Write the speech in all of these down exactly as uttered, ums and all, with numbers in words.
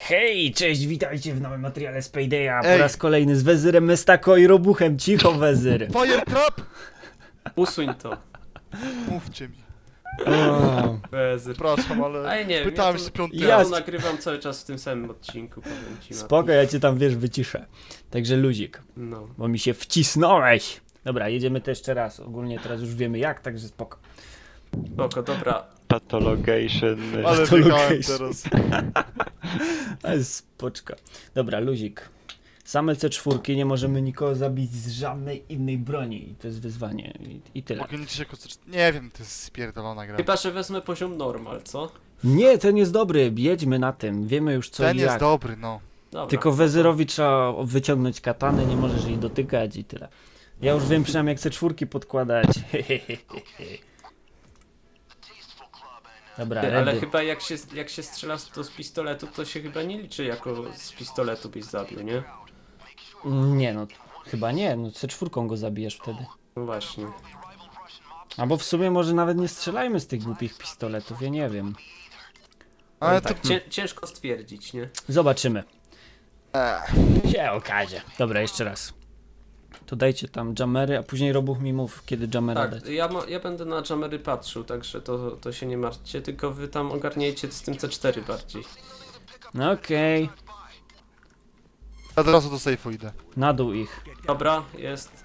Hej, cześć, witajcie w nowym materiale z Paydaya. Po raz kolejny z Wezyrem, Mestako i Robuchem. Cicho, Wezyr. Fire trap! Usuń to. Mówcie mi. O, Wezyr. Przepraszam, ale Ale nie, pytałem ja się to, piąty ja raz. to nagrywam cały czas w tym samym odcinku, powiem ci. spoko, ja cię tam, wiesz, wyciszę. Także luzik, No. bo mi się wcisnąłeś. Dobra, jedziemy to jeszcze raz. Ogólnie teraz już wiemy jak, także spoko. Spoko, dobra. Patologation. Ale To wygrałem location. teraz. Ale spoczka. Dobra, luzik. Same C cztery, nie możemy nikogo zabić z żadnej innej broni. I to jest wyzwanie. I, i tyle. Mogę liczyć jako coś... Nie wiem, to jest spierdolona gra. Chyba, że wezmę poziom normal, co? Nie, ten jest dobry. Jedźmy na tym. Wiemy już co Ten i jest jak. dobry, no. Dobra. Tylko Wezyrowi trzeba wyciągnąć katanę, nie możesz jej dotykać i tyle. Ja już wiem przynajmniej jak C cztery podkładać. Dobra, Ty, ale ready. chyba jak się, jak się strzela z, to z pistoletu, to się chyba nie liczy jako z pistoletu byś zabił, nie? Nie no, chyba nie, no C cztery go zabijesz wtedy. No właśnie. Albo w sumie może nawet nie strzelajmy z tych głupich pistoletów, ja nie wiem. Ale to... Tak, cię, ciężko stwierdzić, nie? Zobaczymy. Ech. Się okaże. Dobra, jeszcze raz. To dajcie tam jamery, a później Robuch mi mów, kiedy jamera Tak, dać. ja, ma, ja będę na jamery patrzył, także to, to się nie martwcie, tylko wy tam ogarniajcie z tym C cztery bardziej. No okej, Ja od razu do sejfu idę. na dół ich. Dobra, jest.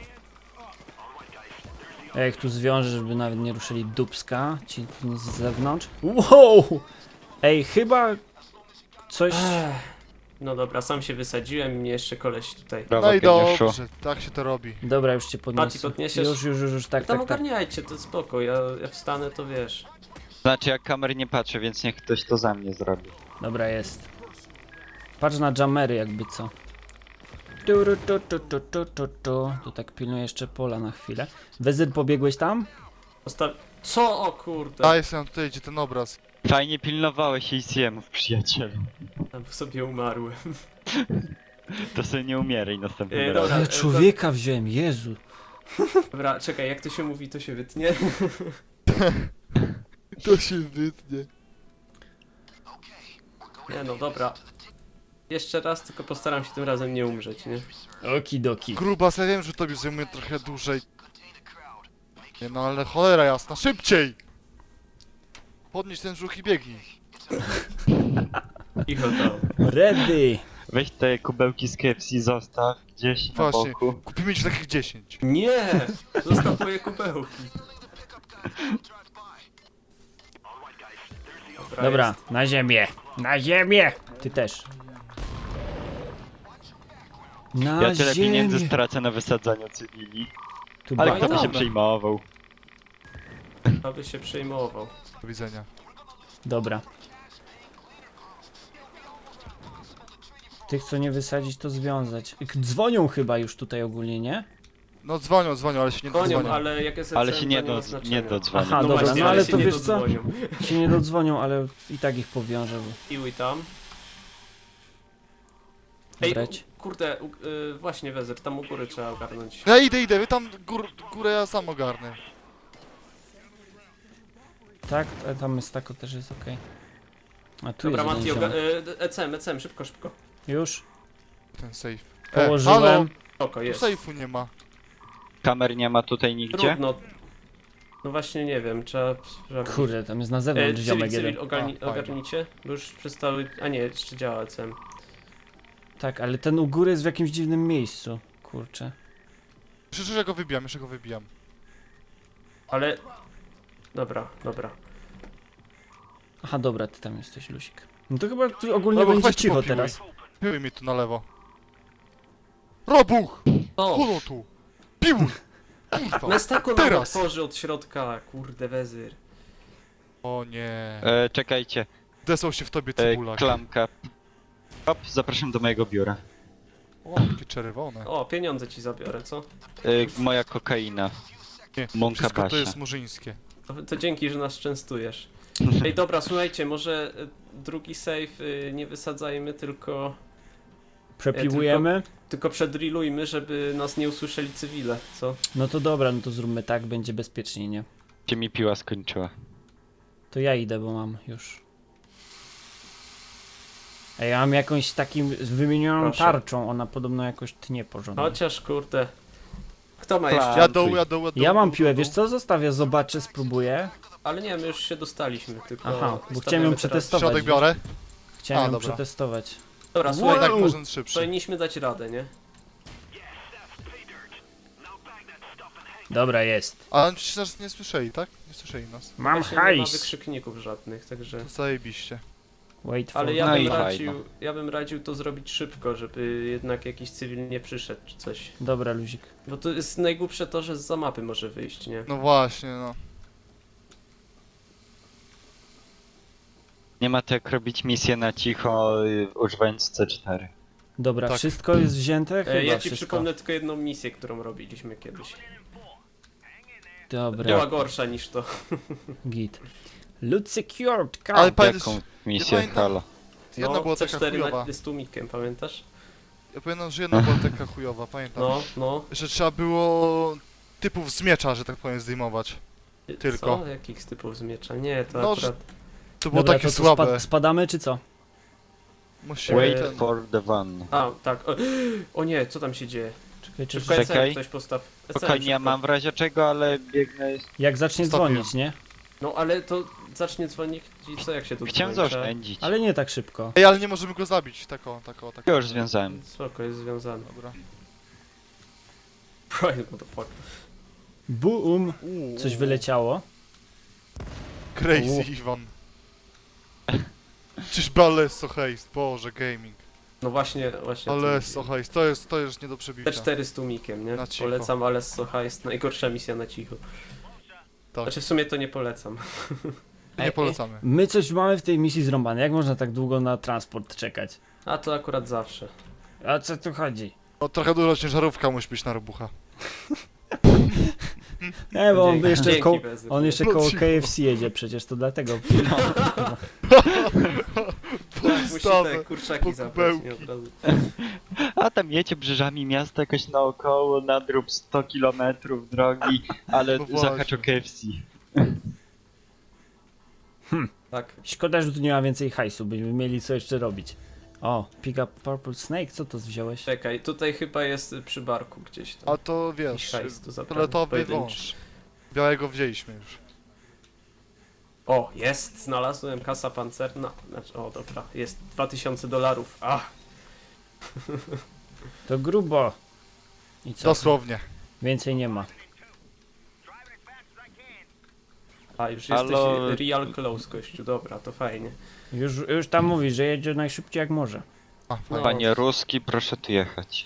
Ja ich tu zwiążę, żeby nawet nie ruszyli dupska, ci z zewnątrz. Wow! Ej, chyba coś... No dobra, sam się wysadziłem i mnie jeszcze koleś tutaj. Brawo, No i geniuszu. dobrze, tak się to robi. Dobra, już cię Mati, podniosę. podniesiesz? Już, już, już, już, tak, Tam tak, tak. ogarniajcie, to spoko, ja, ja wstanę, to wiesz. Znaczy ja kamer nie patrzę, więc niech ktoś to za mnie zrobi. Dobra, jest. Patrz na jamery jakby co. Tu, ru, tu, tu, tu, tu, tu, tu. Tu tak pilnuję jeszcze pola na chwilę. Wezyr, pobiegłeś tam? Osta Co? O kurde. A jestem tutaj, gdzie ten obraz. Fajnie pilnowałeś A C M-ów, przyjacielu. Tam sobie umarłem. To sobie nie umieraj następnym Ej, razem. dobra. Ale człowieka wziąłem, Jezu. Dobra, czekaj, jak to się mówi, to się wytnie. To się wytnie. Nie no, dobra. Jeszcze raz, tylko postaram się tym razem nie umrzeć, nie? Okidoki. Grubas, ja wiem, że tobie zajmuje trochę dłużej. Nie no, ale cholera jasna, szybciej! Podnieś ten brzuch i biegnij. Cicho to. Ready. Weź te kubełki z K F C, zostaw gdzieś na Właśnie. boku. Kupimy ci takich dziesięć. Nie! Zostaw moje kubełki. Dobra, Dobra, jest. na ziemię. Na ziemię. Ty też. Na Ja tyle ziemię. pieniędzy stracę na wysadzaniu cywili. Tu Ale ba- kto by się dobra. przejmował? Aby się przejmował. Do widzenia. Dobra. Tych co nie wysadzić to związać. K- Dzwonią chyba już tutaj ogólnie, nie? No dzwonią, dzwonią, ale się nie Konią, dodzwonią. ale jak jest Ale się nie, ma do, znaczenia. nie dodzwonię. Aha, No dobra, właśnie, no ale się to nie wiesz co? dodzwonią. Się nie dodzwonią, ale i tak ich powiążę. Bo... Piły tam. Ej, Brać. kurde, u, y, właśnie Wezer, tam u góry trzeba ogarnąć. Ja idę, idę, wy tam gór, górę ja sam ogarnę. Tak, a tam Mestako też jest okej. A tu Dobra, jest Mati, jeden oga- ziomek. y, E C M, E C M, szybko, szybko. Już Ten safe. E, położyłem. halo, Spoko, tu jest. safe'u nie ma. Kamer nie ma tutaj nigdzie? Trudno. No właśnie nie wiem, trzeba sprawdzić. Kurde, tam jest na E, zewnątrz cywil, ziomek cywil, jeden. ogarni, A, fajnie. ogarnijcie, bo już przestały, a nie, jeszcze działa E C M. Tak, ale ten u góry jest w jakimś dziwnym miejscu. Kurczę. Przecież ja go wybijam, jeszcze go wybijam. Ale... Dobra, dobra. Aha, dobra, ty tam jesteś, Lusik. No to chyba tu ogólnie Dobra, będzie weź tu cicho popiłuj. teraz. Piłuj mi tu na lewo. Robuch! O! Holo tu! Piłuj! Kurwa! Mestako nam teraz! otworzy od środka, kurde Wezyr. O nie. E, czekajcie, Desał się w tobie e, cebulak. klamka. Hop, zapraszam do mojego biura. O, jakie czerwone. O, pieniądze ci zabiorę, co? E, moja kokaina. Nie, Mąka wszystko to Basia. jest murzyńskie. To, to dzięki, że nas częstujesz. Ej, dobra, słuchajcie, może y, drugi save y, nie wysadzajmy, tylko... Przepiłujemy. Tylko przedrillujmy, żeby nas nie usłyszeli cywile, co? No to dobra, no to zróbmy tak, będzie bezpiecznie, nie? Się mi piła skończyła. To ja idę, bo mam już. A ja mam jakąś takim wymienioną Proszę. tarczą, ona podobno jakoś tnie porządnie. Chociaż kurde. Kto ma Plan. jeszcze? Ja doł, ja doł, ja doł. Ja mam doł, piłę, doł, wiesz co? Zostawię, zobaczę, spróbuję. Ale nie, my już się dostaliśmy, tylko... Aha, bo stawiamy chciałem ją teraz- przetestować. Środek biorę. Chciałem A, ją dobra. przetestować. Dobra, Wow. słuchaj, Jednak Uuu. może szybszy. powinniśmy dać radę, nie? Dobra, jest. Ale oni przecież nas nie słyszeli, tak? Nie słyszeli nas. Mam Właśnie nie ma hajs. wykrzykników żadnych, także... To zajebiście. Wait for Ale ja No bym i radził, fajno. ja bym radził to zrobić szybko, żeby jednak jakiś cywil nie przyszedł czy coś. Dobra, luzik. Bo to jest najgłupsze to, że zza mapy może wyjść, nie? No właśnie, no. Nie ma to jak robić misję na cicho, y, używając C cztery. Dobra, Tak. wszystko jest wzięte? Chyba E, ja ci wszystko. przypomnę tylko jedną misję, którą robiliśmy kiedyś. Dobra, Była gorsza niż to. git. Loot secured, car. Ale pamiętasz, Jaką misję, pamiętam- halo? jedna była taka C cztery chujowa. na, z tłumikiem, pamiętasz? Ja pamiętam, że jedna była taka chujowa, pamiętam. No, no. Że trzeba było typów z miecza, że tak powiem, zdejmować. Tylko. Co? Jakich typów z miecza? Nie, to No, akurat... To było Dobra, takie to co, słabe. spa- spadamy czy co? Musimy Wait ten... for the van. A, tak. O, o nie, co tam się dzieje? Czekaj, czy... Szybko E C M Czekaj. ktoś postaw. E C M Spokojnie, ja szybko. mam w razie czego, ale biegnę... Jak zacznie Stopię. dzwonić, nie? No ale to zacznie dzwonić i co jak się tu Chciałem dzwoni? zaoszczędzić. Ale nie tak szybko. Ej, ale nie możemy go zabić, tako, tako, tako. Już związałem. Spoko, jest związany. Dobra. Right, what the fuck. Boom! Uuu, Coś wyleciało. Crazy Uuu. Iwan. Czyżby Alesso Heist, Boże, gaming. No właśnie, właśnie. Alesso Heist, to jest, to jest nie do przebicia. T cztery z tłumikiem, nie? Na cicho. Polecam Alesso Heist, najgorsza misja na cicho. Tak, Znaczy w sumie to nie polecam. nie polecamy. My coś mamy w tej misji zrąbane. Jak można tak długo na transport czekać? A to akurat zawsze. A co tu chodzi? No trochę dużo ciężarówka musi być na robucha. Nie, bo on Dzięki. jeszcze, Dzięki, koło, Bezy. on jeszcze koło K F C jedzie przecież, to dlatego. Musi Podstawę. te kurczaki po zabrać, kubełki. nie od razu. A tam jecie brzeżami miasta jakoś naokoło, nadrób sto kilometrów drogi, ale No właśnie. zahacz o K F C. Tak. Szkoda, że tu nie ma więcej hajsu, byśmy mieli co jeszcze robić. O, pick up Purple Snake, co to wziąłeś? Czekaj, tutaj chyba jest przy barku gdzieś tam. A to Jakiś wiesz, hajs do zaprawy, fioletowy pojedynczy. wąż. Białego wzięliśmy już. O, jest! Znalazłem kasa pancerna. Znaczy, o dobra, jest dwa tysiące dolarów. Ach, To grubo. I co? Dosłownie. Więcej nie ma. a już Halo. jesteś real close, gościu. Dobra, to fajnie. Już, już tam mówi, że jedzie najszybciej jak może. A, No. fajnie. Panie Ruski, proszę tu jechać.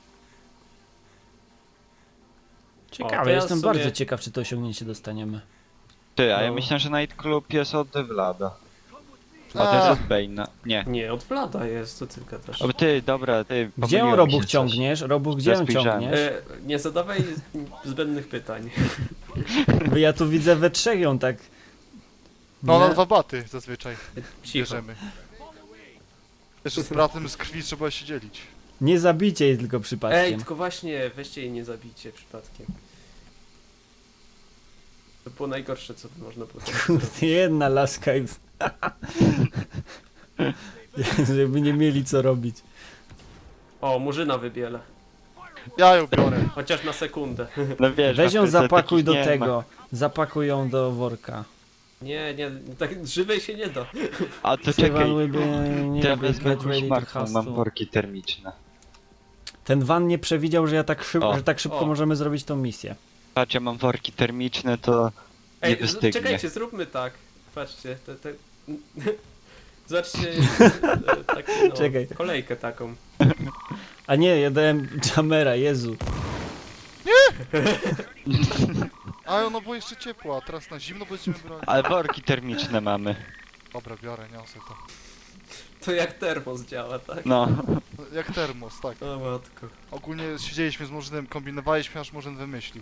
Ciekawe, O, to ja jestem w sumie- bardzo ciekaw, czy to osiągnięcie dostaniemy. Ty, a ja No. myślę, że Night Club jest od Vlada. A A. to jest od Bane'a. Nie. Nie, od Vlada jest, to tylko też. O, ty, dobra, ty, Gdzie ją pomyliło mi Robuch się coś. ciągniesz? Robuch, gdzie ją Rozpojrzałem. ciągniesz? E, nie zadawaj zbędnych pytań. Bo ja tu widzę we trzech ją tak. No na Nie? dwa baty zazwyczaj Cicho. bierzemy. Jeszcze z bratem z krwi trzeba się dzielić. Nie zabicie jej tylko Ej, przypadkiem. tylko właśnie, weźcie jej nie zabijcie przypadkiem. To było najgorsze, co by można było teraz zrobić. Kurde, jedna laska i... Żeby nie mieli co robić. O, murzyna wybielę. Ja ją biorę. Chociaż na sekundę. No wiesz, Weź ją Afryce zapakuj takich do nie ma. tego. Zapakuj ją do worka. Nie, nie, tak żywej się nie da. A to Survival czekaj, will be- nie to ja lubię, wezmę get jakąś ready to martwą, mam hustle. worki termiczne. Ten van nie przewidział, że ja tak szybko, O. że tak szybko O. możemy zrobić tą misję. Patrz, ja mam worki termiczne, to nie Ej, wystygnie. czekajcie, zróbmy tak. Patrzcie, te, te... Zobaczcie, e, takie, no, Czekaj. kolejkę taką. A nie, ja dałem Jamera, Jezu. A no bo jeszcze ciepło, a teraz na zimno będziemy brać. Ale worki termiczne mamy. Dobra, biorę, niosę to. To jak termos działa, tak? No. Jak termos, tak. O matko. Ogólnie siedzieliśmy z Murzynem, kombinowaliśmy, aż Murzyn wymyśli.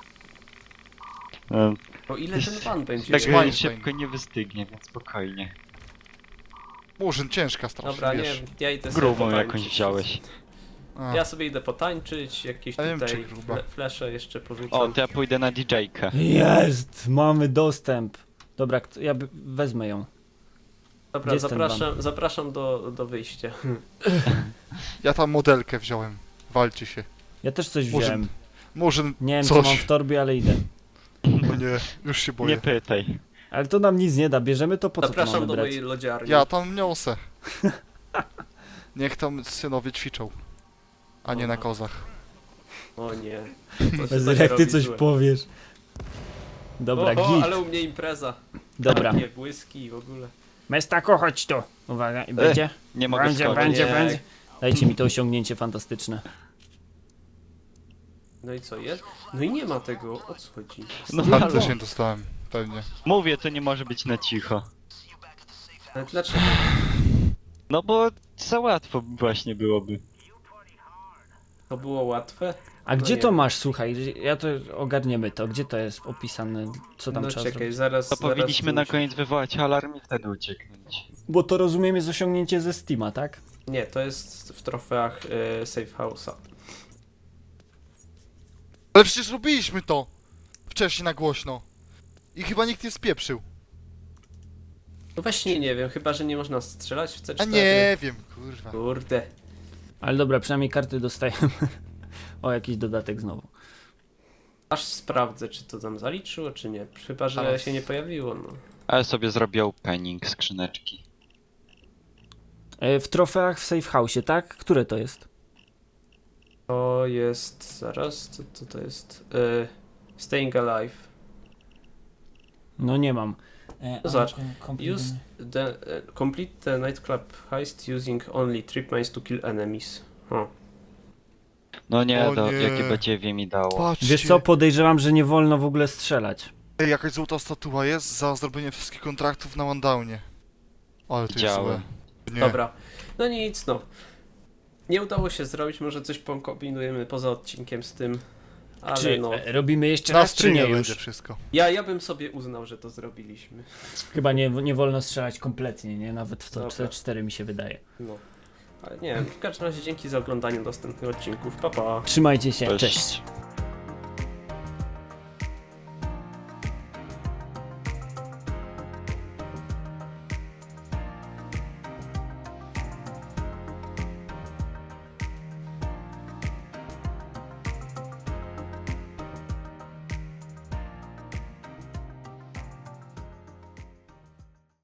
no O ile ten van będzie? tak Jak Einstein. szybko nie wystygnie, więc spokojnie. Murzyn ciężka strasznie, Dobra, nie, wiesz. ja idę sobie Grubą potańczyć. jakąś wziąłeś. A, Ja sobie idę potańczyć, jakieś Ja wiem, tutaj czy gruba. fle flesze jeszcze porzucam. O, to ja pójdę na D J-kę. Jest! Mamy dostęp. Dobra, kto- ja by- wezmę ją. Dobra, Gdzie jest ten zapraszam, zapraszam do, do wyjścia. Ja tam modelkę wziąłem. Walcie się. Ja też coś Może- wziąłem. Może Nie wiem co coś. mam w torbie, ale idę. No nie, już się boję. Nie pytaj. Ale to nam nic nie da, bierzemy to po co to Zapraszam mamy do brać? mojej lodziarni. Ja tam niosę. Niech tam synowie ćwiczą. A nie na kozach. O nie. Co się Bez tak jak ty robi coś złe? powiesz. Dobra, Oho, git. ale u mnie impreza. Dobra. Takie błyski w ogóle. Mestako, chodź tu. Uwaga, i będzie? Nie mogę Będzie, skoczyć. będzie, Nie. będzie. Dajcie mi to osiągnięcie fantastyczne. No i co jest? No i nie ma tego, o co chodzi? No Ja halo. też nie dostałem, pewnie. Mówię, to nie może być na cicho. Ale dlaczego? No bo za łatwo właśnie byłoby. To było łatwe? A No gdzie nie to wiem. masz, słuchaj, ja to ogarniemy to, gdzie to jest opisane, co tam No trzeba czekaj, zrobić? zaraz... To zaraz powinniśmy tu na muszę- koniec wywołać alarm i wtedy ucieknąć. Bo to rozumiem jest osiągnięcie ze Steama, tak? Nie, to jest w trofeach y, Safe House'a. Ale przecież robiliśmy to! Wcześniej na głośno. I chyba nikt nie spieprzył. No właśnie nie wiem, chyba że nie można strzelać w C A cztery. nie wiem, kurwa. Kurde. Ale dobra, przynajmniej karty dostajemy. O, jakiś dodatek znowu. Aż sprawdzę, czy to tam zaliczyło, czy nie. Chyba, że Ale- się nie pojawiło, no. Ale sobie zrobię opening skrzyneczki. E, W trofeach w Safe House, tak? Które to jest? To jest... zaraz, co to, to jest? Y, Staying Alive. No nie mam. E, No zobacz, a, kom- Use the... Uh, complete the nightclub heist using only trip mines to kill enemies. O. No nie, O to nie. jakie badziewie mi dało. Patrzcie. Wiesz co, podejrzewam, że nie wolno w ogóle strzelać. Ej, jakaś złota statua jest za zrobienie wszystkich kontraktów na Wandownie. Ale to jest Widziałem. złe. Nie. Dobra. No nic, no. Nie udało się zrobić, może coś pokombinujemy poza odcinkiem z tym. Ale Czy no. e, robimy jeszcze Na raz, czy streamie nie będzie już? wszystko. Ja, ja bym sobie uznał, że to zrobiliśmy. Chyba nie, nie wolno strzelać kompletnie, nie? Nawet w to Dobra. C cztery mi się wydaje. No. Ale nie wiem, w każdym razie dzięki za oglądanie następnych odcinków. Pa pa! Trzymajcie się, Cześć. cześć.